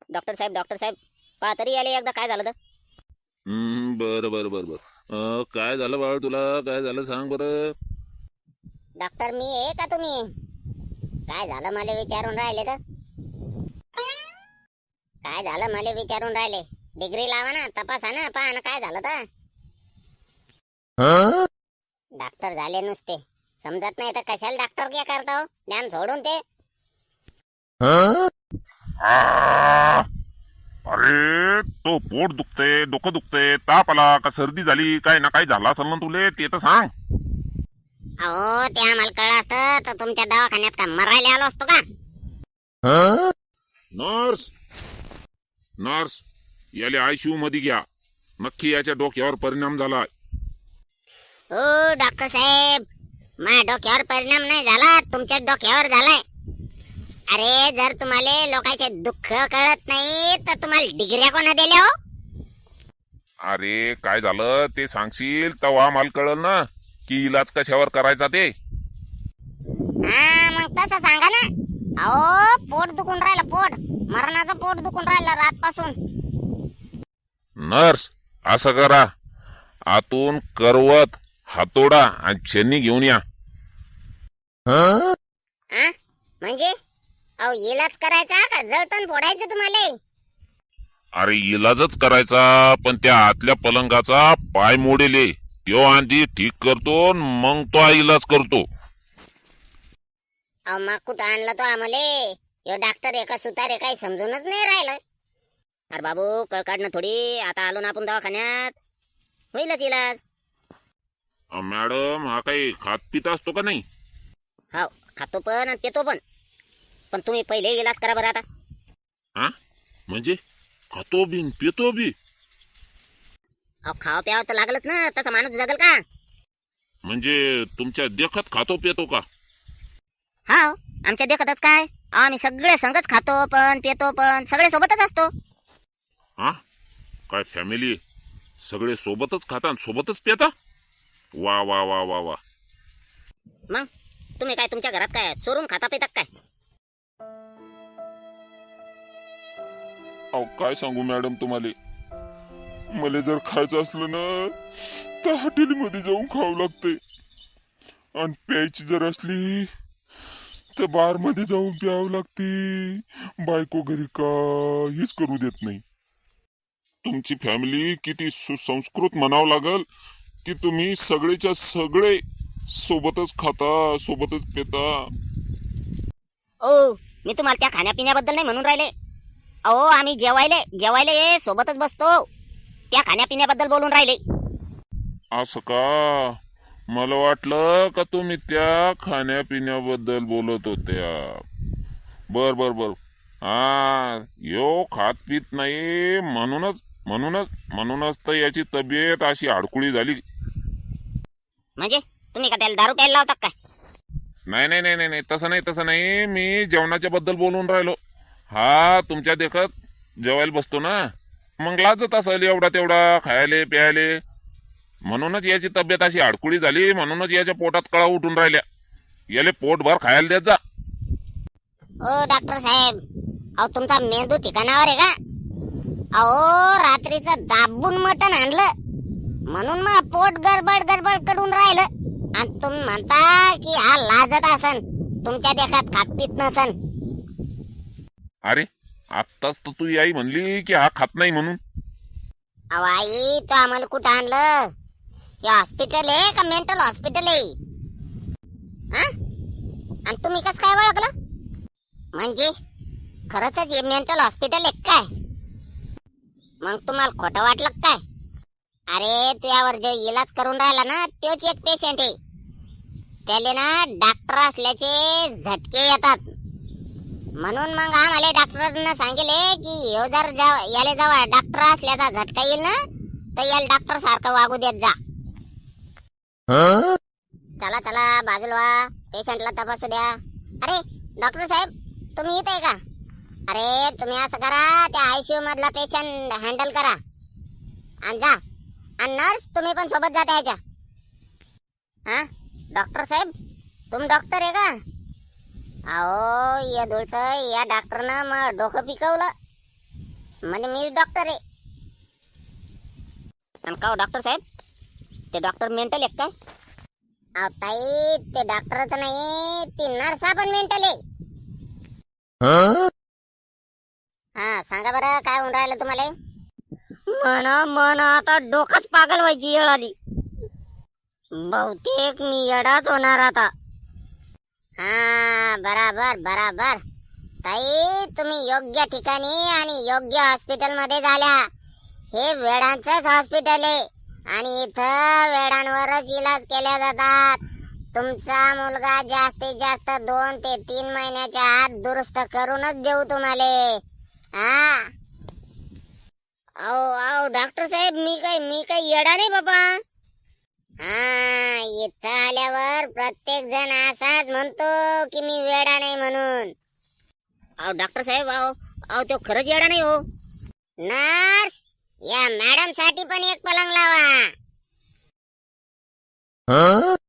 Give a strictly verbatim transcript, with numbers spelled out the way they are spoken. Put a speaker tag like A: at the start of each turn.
A: Doctor साहेब doctor साहेब पहा तरी आले एकदा काय झालं तर.
B: हम्म बरं बरं बरं बरं अं, काय झालं बाळ तुला काय झालं सांग बरं.
A: डॉक्टर मी आहे का तुम्ही? काय झालं मला विचारून राहिले तर. काय झालं मला विचारून राहिले. डिग्री लावा ना, तपासा ना, पहा ना काय झालं तर. डॉक्टर झाले नुसते, समजत नाही तर कशाला डॉक्टर क्या करता हो, ज्ञान सोडून ते.
C: अरे तो पोट दुखते, डोकं दुखते, ताप आला का सर्दी झाली, काय ना काय झाला असेल ना तुले, ते तर सांग.
A: अहो ते आम्हाला कळलं असतं तर तुमच्या दवाखान्यात का मरायला आलो असतो का?
C: नर्स नर्स याले आयसीयू मध्ये घ्या, नक्की याच्या डोक्यावर परिणाम झालाय.
A: ओ डॉक्टर साहेब, माझ्या डोक्यावर परिणाम नाही झाला, तुमच्या डोक्यावर झालाय. अरे जर तुम्हाला लोकांचे दुःख कळत नाही तर तुम्हाला डिग्र्या कोणा दिल्या हो?
C: अरे काय झालं ते सांगशील तेव्हा मला कळल ना की इलाज कशावर करायचा ते.
A: हा मग तसं सांगा ना. अहो पोट दुखून राहिलं, पोट मरणाचं पोट दुखून राहिलं रातपासून.
C: नर्स असं करा, आतून करवत, हातोडा आणि छेनी घेऊन या.
A: आ म्हणजे अहो इलाज करायचा का जळतण फोडायचं तुम्हाला?
C: अरे इलाजच करायचा, पण त्या आतल्या पलंगाचा पाय मोडेले त्यो आधी ठीक करतो, मग तो इलाज करतो.
A: अहो मग कुठं आणलं तो आम्हाला? यो डॉक्टर एका सुतारे काही समजूनच नाही राहिलं. अरे बाबू कळ काढणं थोडी, आता आलो ना आपण दवाखान्यात, होईलच इलाज.
C: अ, मॅडम हा काही खात पित असतो का नाही?
A: हो खातो पण आणि पितो पण, पण तुम्ही पहिले इलाज करा बरं आता.
C: हा म्हणजे खातो बी न पितो बी?
A: अहो खावं प्यावं तर लागलच ना, तसा माणूस जगल का?
C: म्हणजे तुमच्या देखत खातो पितो का?
A: हा आमच्या देखतच काय, आम्ही सगळे संगच खातो पण पितो पण सगळे सोबतच असतो.
C: हा काय फॅमिली सगळे सोबतच खाता आणि सोबतच पिता? वा वा वा वा वा.
A: मग तुम्ही काय तुमच्या घरात काय चोरून खाता पितात काय?
C: अहो काय सांगू मॅडम तुम्हाला, मला जर खायचं असलं ना तर हॉटेलमध्ये जाऊन खावं लागते, आणि प्यायची जर असली तर बार मध्ये जाऊन प्यावं लागते. बायको घरी काहीच करू देत नाही. तुमची फॅमिली किती सुसंस्कृत म्हणावं लागल की तुम्ही सगळेच्या सगळे सोबतच खाता, सोबतच पिता.
A: ओ मी तुम्हाला त्या खाण्यापिण्याबद्दल नाही म्हणून राहिले. अहो आम्ही जेवायले जेवायले ये सोबतच बसतो, त्या खाण्यापिण्याबद्दल बोलून राहिले.
C: असं का? मला वाटलं का तुम्ही त्या खाण्यापिण्याबद्दल बोलत होत्या. बर बर बर. हा यो खात पित नाही म्हणूनच म्हणूनच म्हणूनच तर याची तब्येत अशी अडकुळी झाली.
A: म्हणजे तुम्ही का त्याला दारू प्यायला लावतात काय?
C: नाही नाही नाही नाही तसं नाही तसं नाही, मी जेवणाच्या बद्दल बोलून राहिलो. हा तुमच्या देखत जेवायला बसतो ना, मग लाजत असेल एवढा तेवढा खायले प्यायले, म्हणूनच याची तब्येत अशी अडकुळी झाली, म्हणूनच याच्या पोटात कळा उठून राहिल्या. याले पोटभर खायला देत जा.
A: ओ डॉक्टर साहेब, अहो तुमचा मेंदू ठिकाणावर आहे का? अहो रात्रीचं दाबून मटण आणलं म्हणून मग पोट गडबड गडबड करून राहिलं, आणि तुम्ही म्हणता की हा लाजत असन, तुमच्या देखत खात पित नसन.
C: अरे आत्ताच तर तू आई म्हणली की हा खात नाही म्हणून.
A: अहो आई तो आम्हाला कुठं आणलं? हे हॉस्पिटल आहे का मेंटल हॉस्पिटल आहे? हा आणि तुम्ही कसं काय ओळखलं? म्हणजे खरंच हे मेंटल हॉस्पिटल आहे काय? मग तुम्हाला खोटं वाटलं काय? अरे तुझ्यावर जो इलाज करून राहिला ना तोच एक पेशंट आहे. त्याले ना डॉक्टर असल्याचे झटके येतात, म्हणून मग आम्हाला डॉक्टरांना सांगितले की ह्यो जर याले जेव्हा डॉक्टर असल्याचा झटका येईल ना तर याला डॉक्टर सारखं वागू देत जा. चला चला बाजूला व्हा, पेशंटला तपासू द्या. अरे डॉक्टर साहेब तुम्ही इथे आहे का? अरे तुम्ही असं करा, त्या आयसीयू मधला पेशंट हँडल करा आणि जा, आणि नर्स तुम्ही पण सोबत जाता याच्या. हा डॉक्टर साहेब तुम डॉक्टर आहे का? अहो या दोलचं या डॉक्टरनं मग डोकं पिकवलं. म्हणजे मीच डॉक्टर आहे. आणि का डॉक्टर साहेब, ते डॉक्टर मेंटल एक काय? अहो ताई, ते डॉक्टरच नाही, ती नर्सा पण मेंटल आहे. हा सांगा बरं, काय होऊन राहिलं तुम्हाला? म्हणा म्हणा आता डोकाच पागल व्हायची वेळ आली. बहुतेक मी येडाच होणार आता. हा बराबर बराबर ताई, तुम्ही योग्य ठिकाणी आणि योग्य हॉस्पिटल मध्ये झाल्या. हे वेडांचंच हॉस्पिटल आहे आणि इथं वेडांवरच इलाज केल्या जातात. तुमचा मुलगा जास्तीत जास्त दोन ते तीन महिन्याच्या आत दुरुस्त करूनच देऊ तुम्हाला. हा अहो अहो डॉक्टर साहेब, मी काय मी काय येडा नाही बाबा. हा इथं आल्यावर प्रत्येक जण असाच म्हणतो की मी वेडा नाही म्हणून. अहो डॉक्टर साहेब, अहो अहो तो खरंच येडा नाही हो. नर्स, या मॅडम साठी पण एक पलंग लावा.